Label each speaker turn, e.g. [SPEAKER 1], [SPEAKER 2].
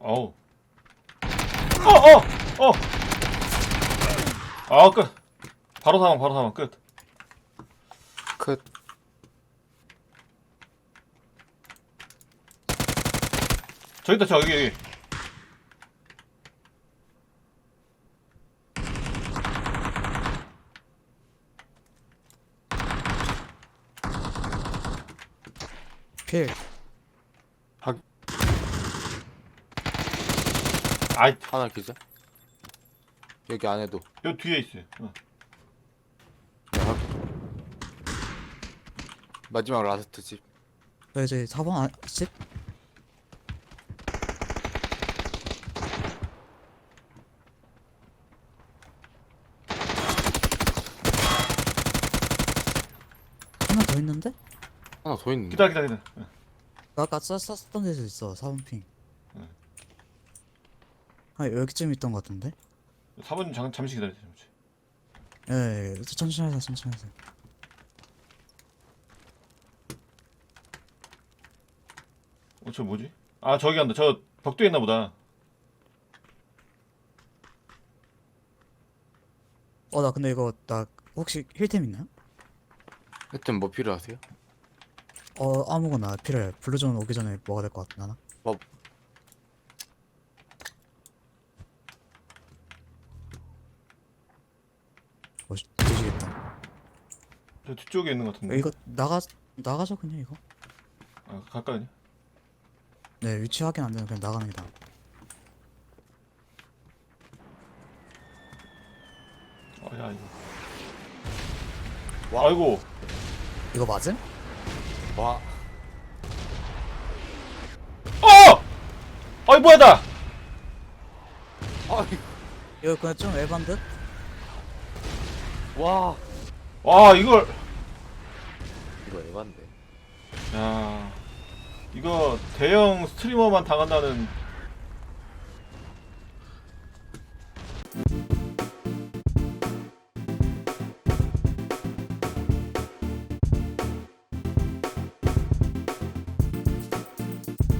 [SPEAKER 1] 어우. 어! 아, 끝. 바로 사망, 끝.
[SPEAKER 2] 끝.
[SPEAKER 1] 저기 있다, 여기.
[SPEAKER 3] 필.
[SPEAKER 1] 아이,
[SPEAKER 2] 하나 기자. 여기 안에도.
[SPEAKER 1] 요 뒤에 있어요.
[SPEAKER 2] 마지막 라스트 집.
[SPEAKER 3] 저 이제 4번 집? 하나 더 있는데?
[SPEAKER 2] 하나 더 있는데.
[SPEAKER 1] 기다려.
[SPEAKER 3] 나 아까 쐈던 데서 있어. 4번 핑.
[SPEAKER 1] 응.
[SPEAKER 3] 아, 여기쯤 있던 것 같은데?
[SPEAKER 1] 4번 잠시 기다려주세요, 잠시.
[SPEAKER 3] 예, 천천히 하세요.
[SPEAKER 1] 저 뭐지? 아, 저기 간다. 저 벽도에 있나 보다.
[SPEAKER 3] 나 근데 이거, 나 혹시 힐템 있나요?
[SPEAKER 2] 하여튼 뭐 필요하세요?
[SPEAKER 3] 아무거나 필요해. 블루존 오기 전에 먹어야 될 것 같아, 나나?
[SPEAKER 2] 뭐
[SPEAKER 3] 되시겠다.
[SPEAKER 1] 저 뒤쪽에 있는 것 같은데.
[SPEAKER 3] 이거, 나가죠, 그냥 이거?
[SPEAKER 1] 아, 가까이냐?
[SPEAKER 3] 네, 위치 확인 안 되면 그냥 나가는 게 나아.
[SPEAKER 1] 야, 이거. 아이고.
[SPEAKER 3] 이거 맞음?
[SPEAKER 2] 와.
[SPEAKER 1] 아이, 뭐야, 나!
[SPEAKER 2] 아,
[SPEAKER 3] 이거 그냥 좀 에반 듯?
[SPEAKER 2] 와.
[SPEAKER 1] 와, 이걸.
[SPEAKER 2] 이거 에반데.
[SPEAKER 1] 야. 이거 대형 스트리머만 당한다는